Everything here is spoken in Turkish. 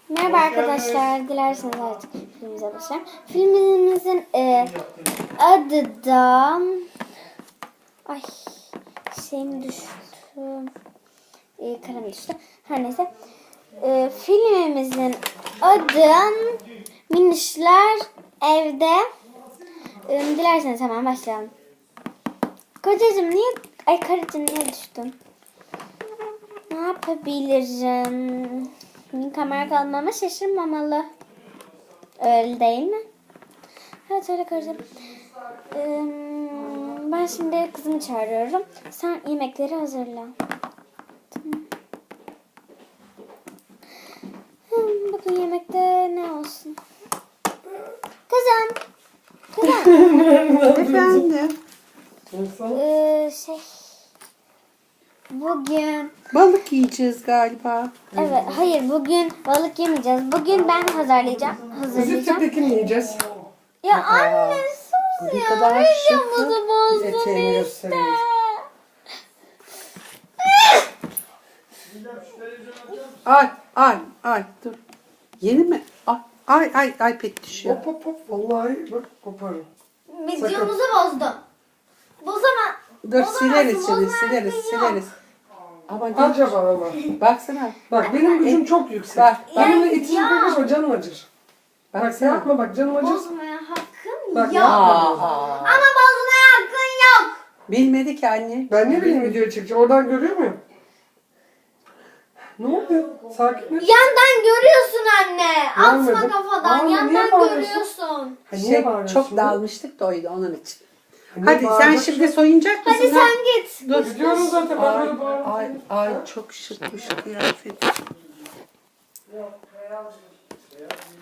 Merhaba arkadaşlar. Dilerseniz artık filmimize başlayalım. Filmimizin adı da... Ay şeyim düştü. Kalem düştü. Her neyse. Filmimizin adı Minişler Evde. Dilerseniz hemen başlayalım. Kocacığım niye... Ay karıcığım niye düştün? Ne yapabilirim? Kamera kalmama şaşırmamalı. Öyle değil mi? Evet öyle karıcığım. Ben şimdi kızımı çağırıyorum. Sen yemekleri hazırla. Tamam. Bugün yemekte ne olsun? Kızım. Efendim. Bugün Balık yiyeceğiz galiba. evet hayır bugün balık yemeyeceğiz. Bugün ben hazırlayacağım. Biz peki ne yiyeceğiz? Ya anne sus Ne ya. kadar Videomuzu bozdun Eteğini işte. göstereyim. Ay dur. Yeni mi? Ay pek düşüyor. Hop vallahi bak koparım. Videomuzu bozdun. Bozama. Dur sileriz bozamazsın, şimdi bozma hakkın sileriz. Ama Acaba ama. baksana. Bak benim gücüm çok yüksek. Bak, Benimle ya. itişim kakasma canım acır. Bak Baksana. yapma bak canım acır. Bozmaya hakkın Bak yok. yapma. Ama bozmaya hakkın yok. Bilmedi ki anne. Ben ne bileyim videoyu çekeceğim. Oradan görüyor muyum? Ne oluyor? Sakin ol. Yandan görüyorsun anne. Atma Görmedim. kafadan. Anne, niye Yandan bağırıyorsun? görüyorsun. Ha, niye bağırıyorsun Çok şimdi? dalmıştık da oydu onun için. Niye Hadi sen bağırıyorsun? şimdi soyunacak mısın? Hadi ha? sen git. Dur. Gidiyorum zaten ben böyle bağırıyorum. Ay çok şık bu kıyafet.